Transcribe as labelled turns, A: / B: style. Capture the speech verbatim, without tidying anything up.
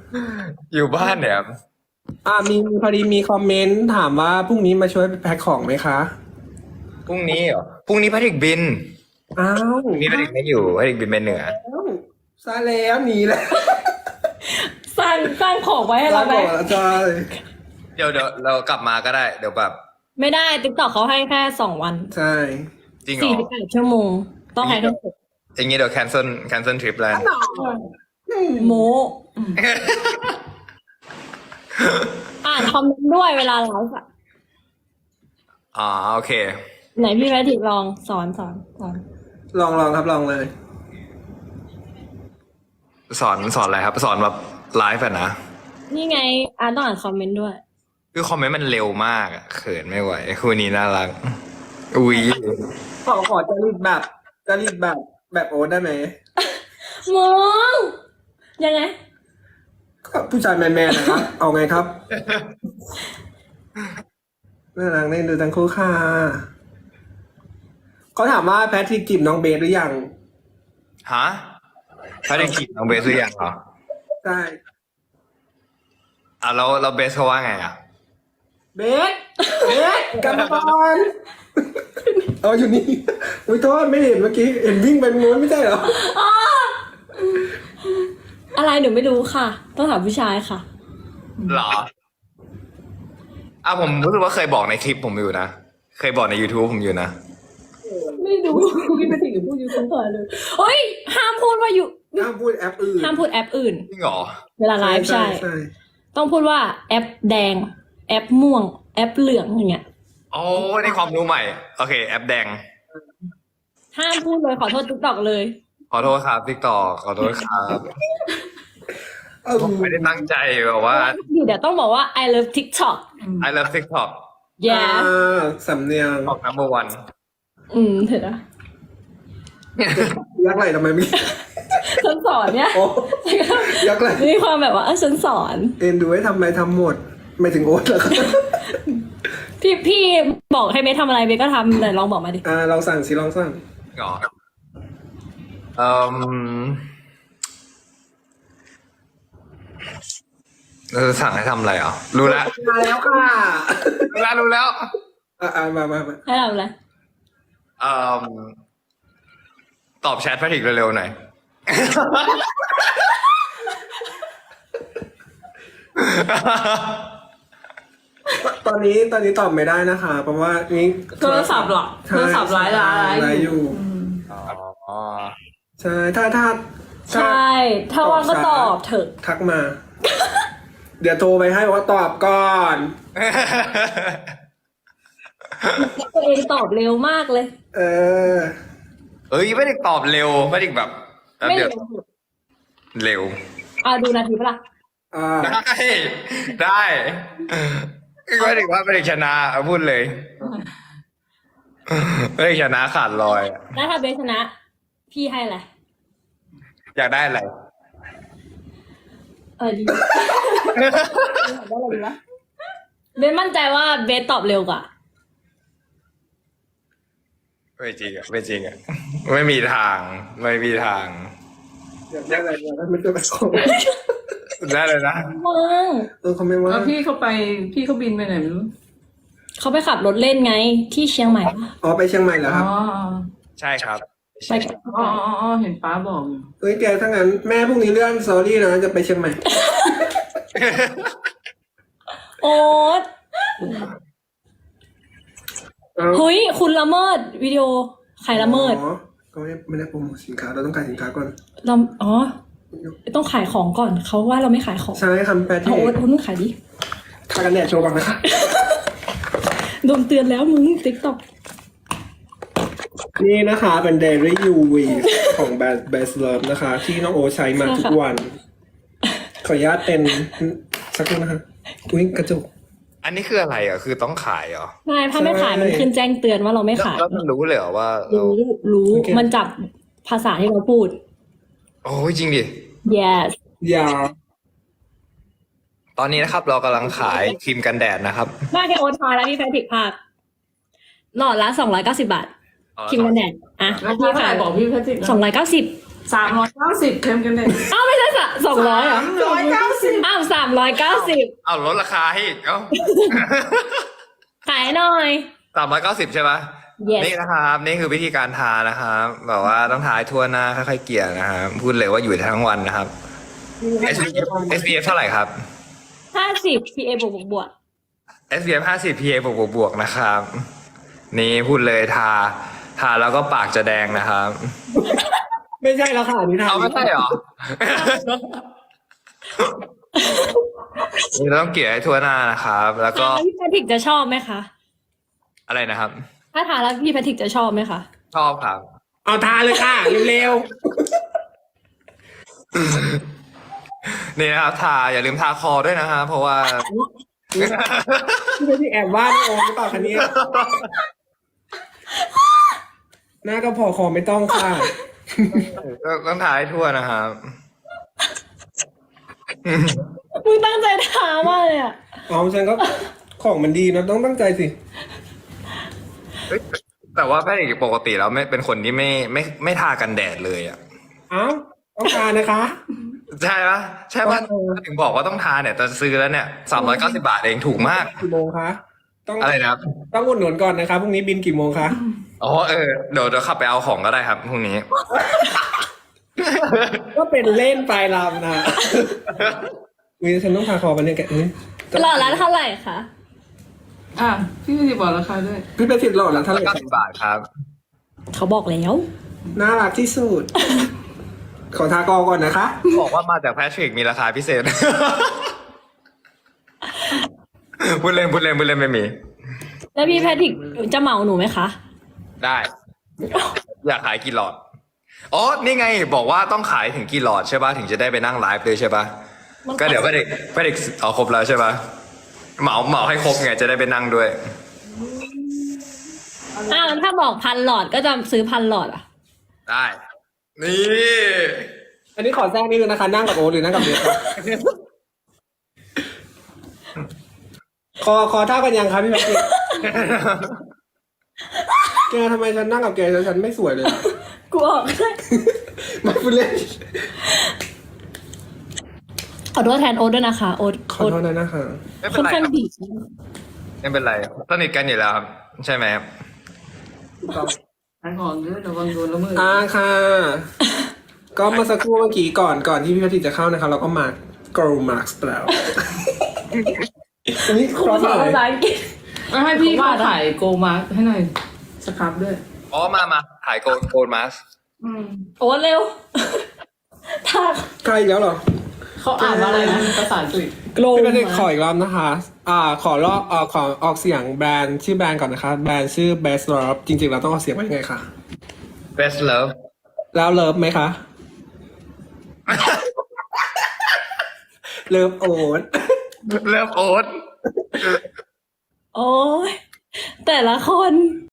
A: อยู่บ้านเนี่ย
B: อ่ามีพอดีมีคอมเมนต์ถามว่าพรุ่งนี้มาช่วยแพ็คของไหมคะ
A: พรุ่งนี้เหรอพรุ่งนี้แพทริกบิน
B: อ้าว
A: พรุ่งนี้แพทริกไม่อยู่แพทริกบินไปเหนือ
B: ซาแล้วหนีแล้ว
C: สร้างสร้างของไว้ให้เราไหม
B: บอกแล้วจ้า
A: เดี๋ยวเดี๋ยวเรากลับมาก็ได้เดี๋ยวแบบ
C: ไม่ได้ติ๊กต็อกเขาให้แค่สองวัน
B: ใช่
A: จริงเหร
C: สี่
A: อ
C: สิบแปดชั่วโมง ต้องให้ทั้งหมด
A: อย่างงี้เดี๋ยว cancel cancel trip แล้ว
C: โมอ่านคอมเมนต์ด้วยเวลาไลฟ์อะ
A: อ๋อโอเค
C: ไหนพี่แพทริกลองสอนสอนสอน
B: ลองลองครับลองเลย
A: สอนสอนอะไรครับ สอนแบบไลฟ์อะนะ
C: นี่ไงอ่านต้องอ่านคอมเมนต์ด้วย
A: คือคอมเมนต์มันเร็วมากอะเขินไม่ไหวคู่นี้น่ารักอุ้ย
B: ขอขอจริตแบบจริตแบบแบบโอ๊ตได้ไหม
C: มองยังไง
B: ก็ผู้ชายแมนๆนะครับ เอาไงครับน่ารักได้ดูทั้งคู่ค่ะเขาถามว่าแพทริกจีบน้องเบสหรือยัง
A: ฮะแพทริกจีบน้องเบสหรือยังเหรอ
B: ใช่
A: อ่ะแล้วเราเบสเขาว่าไงอ่ะ
B: เบสเบสกลับมาก่อนเอาอยู่นี่อุ้ยโทษไม่เห็นเมื่อกี้เห็นวิ่งไปนู้นไม่ใช่เหรอ
C: อะไรหนูไม่รู้ค่ะ ต้องถามผู้ชายค่ะ
A: เหรออ่ะผมรู้สึกว่าเคยบอกในคลิปผมอยู่นะ เคยบอกใน YouTube ผมอยู่นะ
C: ไม่รู้พี่แพทริกพูดยูทูบเลยเฮ้ยห้ามพูดว่าอยู่
B: ห้ามพูดแอปอื่น
C: ห้ามพูดแอปอื่น
A: จริงเหรอ
C: เวลาไลฟ์ใช่
B: ใช่
C: ต้องพูดว่าแอปแดง แอปม่วง แอปเหลืองอย่างเงี้ย
A: โอ้ได้ความรู้ใหม่ โอเค แอปแดง
C: ห้ามพูดเลยขอโทษติ๊กต็อกเลย
A: ขอโทษครับติ๊กต่อขอโทษครับ
B: เออ
A: ผมไม่ได้ตั้งใจแบบว่า
C: อยู่เดี๋ยวต้องบอกว่า I love TikTok
A: I love TikTok
C: yeah
B: อ่าสำเนียง
A: ออก number one
C: อืมเถอะนะ
B: ยักษ์ไหลทำไมไม่
C: ฉันสอนเนี่ย
B: โอ้ยักษ์ไหล
C: มีความแบบว่าเออฉันสอน
B: เอ็นดูให้ทำไมทำหมด ไม่ถึงโอ๊ตเหรอครับ
C: พี่พี่บอกให้เบสทำอะไรเบสก็ทำแต่ลองบอกมาดิ
B: อ่าลองสั่งสิลองสั่ง
A: เหรอเอ่มเราจะสั่งให้ทำอะไรอ่ะรู้แล้ว
B: มาแล้วค่ะ
A: รู้แล้วรู้แล้ว
B: อ่าอ่ามามามา
C: ให้ทำอะไร
A: เอ่มตอบแชทแพทริกเร็วๆหน่อย
B: ตอนนี้ตอนนี้ตอบไม่ได้นะคะ เพราะว่านี่
D: โทรศัพท์เหรอ
B: ใช่
D: โทรศัพท์ไลฟ์ไลฟ์
B: ไลฟ์อยู่
A: อ๋อ
B: ใช่ถ้าถ้า
C: ใช่ ถ้าว่างก็ตอบเถอะ
B: ทักมา เดี๋ยวโทรไปให้ว่าตอบก่อน
C: ตัวเองตอบเร็วมากเลย
B: เออ
A: เอ้ยไม่ได้ตอบเร็วไม่ได้แบบแป๊บ
C: ไม่
A: เดียว
C: เร็ว
A: เร็ว
C: อ่ะดูนาทีปะล่ะ
B: อ่า
A: ได้ได้ไม่ได้ว่าไม่ได้ชนะเอาพูดเลยไม่ได้ชนะขาดลอยอะ
C: แล้วถ้าเบสชนะ พี่ให้อะไร
A: อยากได้อะไร
C: เออดี ได้อะไรดีวะเบสมั่นใจว่าเบสตอบเร็วกว่า
A: ไม่จริงอ่ะไม่จริงอ่ะไม่มีทาง ไม่มีทาง
B: อยากได้อะไรอยากได้ไม่ต้องไปขอ
A: ได้เลยนะ
C: ว่าง
B: เออเขาไม่ว่า
D: แล้วพี่เขาไปพี่เขาบินไปไหนไม่รู้
C: เขาไปขับรถเล่นไงที่เชียงใหม่ปะ
B: อ๋อไปเชียงใหม่เหรอ
D: อ๋
B: ค
D: อ
B: รับ
A: ใช่ครับ
C: ไปกับ
D: อ๋ออ๋ออ๋อเห็นป้าบอกอยู่
B: เฮ้ยแกถ้างั้นแม่พรุ่งนี้เลื่อนซอรี่นะจะไปเชียงใหม่
C: โอ๊ต
B: เอา
C: เฮ้ยคุณละเมิดวิดีโอใครละเมิด
B: อ๋อก็ไม่ไม่ได้โปรโมทสินค้าเราต้องขายสินค้าก่อน
C: เราอ๋อต้องขายของก่อนเขาว่าเราไม่ขายของ
B: ใช่คำแปล
C: เอา
B: ที่
C: โอ๊ตโอ๊ตมึงขายดิ
B: ทากันแดดโชว์ก่อนนะคะ
C: โดนเตือนแล้วมึงติ๊กต็อก
B: นี่นะคะเป็น Dairy U V ของแบรนด์ Best Love นะคะ ที่น้องโอใช้มาทุกวัน ขออนุญาตเป็นสักครู่นะคะอุ้ยกระจก
A: อันนี้คืออะไรอ่ะคือต้องขายเหรอ
C: ใช่ถ้าไม่ขายมันขึ้นแจ้งเตือนว่าเราไม่
A: แล้ว
C: ขาย
A: แล้วมันรู้เลยเหรอว่าเรา
C: รู้รู้
B: โอเค
C: มันจับภาษาที่เราพูด
A: โอ้ยจริงดิ
C: yes
B: อย่า
A: ตอนนี้นะครับ เรากำลังขายครีมกันแดดนะครับ
C: มาแค่โอ๊ตพาแล้วพี่แพทริกภาคหลอดละสองร้อยเก้าสิบบาทครีมกันแดดอ่ะ
D: แล้ว
C: พี่
D: พี่
C: ขา
D: ขาย ยบอกพี่แพทริก
C: สองร้อยเก้าสิบ
D: สามร้อยเก้าสิบเค็มกันเลย
C: อ้าวไม่ใช่สะสองร้อยเหรอ
D: ร้อยเก้าสิ
B: สิบ
C: อ้าวสามร้อยเก้าสิบ
A: เอาลดราคาให้อีกเอ้า
C: ขายหน่อย
A: สามร้อยเก้าสิบใช่ปะ
C: Yes
A: นี่นะครับ นี่คือวิธีการทานะครับแบบว่าต้องทาให้ทั่วหน้าค่อยๆเกลี่ยนะครับพูดเลยว่าอยู่ทั้งวันนะครับ เอส พี เอฟ เอส พี เอฟ เท่าไหร่ครับ
C: ห้าสิบ พี เอ บวกบวกบวก
A: เอส พี เอฟ ห้าสิบ พี เอ บวกบวกบวกนะครับ นี่พูดเลยทา ทาแล้วก็ปากจะแดงนะครับ
B: ไม่ใช่แล้วค่ะนี่ทา
A: เอาไม่ใช่เหรอ นี่เราต้องเกลี่ยให้ทั่วหน้านะครับ แล้วก็
C: ทาแล้วพี่แพทริกจะชอบไหมคะ
A: อะไรนะครับ
C: ถ้าทาแล้วพี่แพทริกจะชอบไหมคะ
A: ชอบครับ
B: เอาทาเลยค่ะเร็ว
A: นี่นะครับ ทาอย่าลืมทาคอด้วยนะครับเพราะว่า
B: ๆพี่เป็นที่แอบว่าน้องโอมหรือเปล่าคะเนี่ยหน้าก็พอคอไม่ต้องค่ะ
A: ต้องทาให้ทั่วนะครับ
C: มึงตั้งใจทามากเลยอ่ะ
B: เอาฉันก็ของมันดีนะต้องตั้งใจสิ
A: เฮ้ยแต่ว่าแพทย์ปกติแล้วไม่เป็นคนที่ไม่ไม่ไม่ทากันแดดเลยอ่ะ
B: เอ้าต้องการนะคะ
A: ใช่ปะใช่ปะ
B: เออ
A: ถึงบอกว่าต้องทาเนี่ยแต่ซื้อแล้วเนี่ยสามร้อยเก้าสิบาทเองถูกมาก
B: กี่โมงคะต้อง
A: อะไรนะครับ
B: ต้องอุดหนุนก่อนนะคะพรุ่งนี้บินกี่โมงคะ
A: อ๋อเออเดี๋ยวเดี๋ยวขับไปเอาของก็ได้ครับพรุ่งนี้
B: ก็เป็นเล่นปลายลำนะวิฉันต้องพาคอไปเนี่ยแกอุ๊ย
C: หล่อละเท่าไหร่คะ
D: อ่ะพี่ไม่ได้บอกราคาด้วย
B: พี่เป็นสิทธิ์หล่อแล้วเท่าไหร่
A: เก้าสิบบาทครับ
C: เขาบอกแล้ว
B: น่ารักที่สุด ขอทากอก่อนนะคะ
A: บอกว่ามาจากแพทริกมีราคาพิเศษ พูดเล่นพูดเล่นพูดเล่นไม่มี
C: แล้วพี่แพทริกจะเหมาหนูไหมคะ
A: ได้ อยากขายกี่หลอด อ๋อ นี่ไง บอกว่าต้องขายถึงกี่หลอดใช่ป่ะ ถึงจะได้ไปนั่งไลฟ์เลยใช่ป่ะ
C: มัน
A: ก็เดี๋ยวไปเด็กไปเด็กเอาครบแล้วใช่ป่ะ เหมาเหมาให้ครบไงจะได้ไปนั่งด้วย
C: อ้าวแล้วถ้าบอกพันหลอดก็จะซื้อพันหลอดอ่ะ
A: ได้ นี่
B: อันนี้ขอแทรกนิดนึงนะคะ นั่งกับโอตหรือนั่งกับเบสครับคอคอเท่ากันยังครับพี่แม็กซ์แกทำไมฉันนั่งกับแกแล้วฉันไม่สวยเลยอะ
C: กูออกได้
B: ไม่พูดเล่น
C: ขอโทษแทนโอ๊ตด้วยนะคะ โอ๊ต
B: ขอ
C: โอ๊ต
B: โทษนะนะคะ
A: ไม่เป็
C: ค่อน น
A: ไรค
C: ข้าง
A: รับ
C: ดี
A: ไม่เป็นไรสนิทกันอยู่แล้วครับ ใช่ไหมครับ
D: ขายของด้วยระวังโดนละเมิด
B: อ่าค่ะ ก็เมาสักครู่เมื่อกี้ก่อนก่อนที่พี่พัทิจะเข้านะคะเราก็มา Girl Marks แล้วอันนี้ครอส
C: ภา
B: เลย
C: ษาอังกฤษ
D: เอาให้พี่เขาขายโกมาร์ให้หน่อยสครับด้วย
A: อ๋อ มามาถ่ายโกลโกลมาส
D: อืม
C: โอ๊ตเร็ว ทา
B: ใกล้อีกแล้วเหรอ
D: เขาอ่านว่าอะไรนะภาษาอังกฤษ
C: โกล
B: พี่พัทิขอ
C: มา
B: อีกรอบนะคะ อ่า ขอลอกเอ่อขอออกเสียงแบรนด์ชื่อแบรนด์ก่อนนะคะ แบรนด์ชื่อ Best Love จริงๆเราต้องออกเสียงว่ายังไงคะ
A: best love
B: แล้วเลิฟไหมคะ เลิฟโอ๊ต
A: เลิฟโอ๊ต
C: โอ้ยแต่ละคน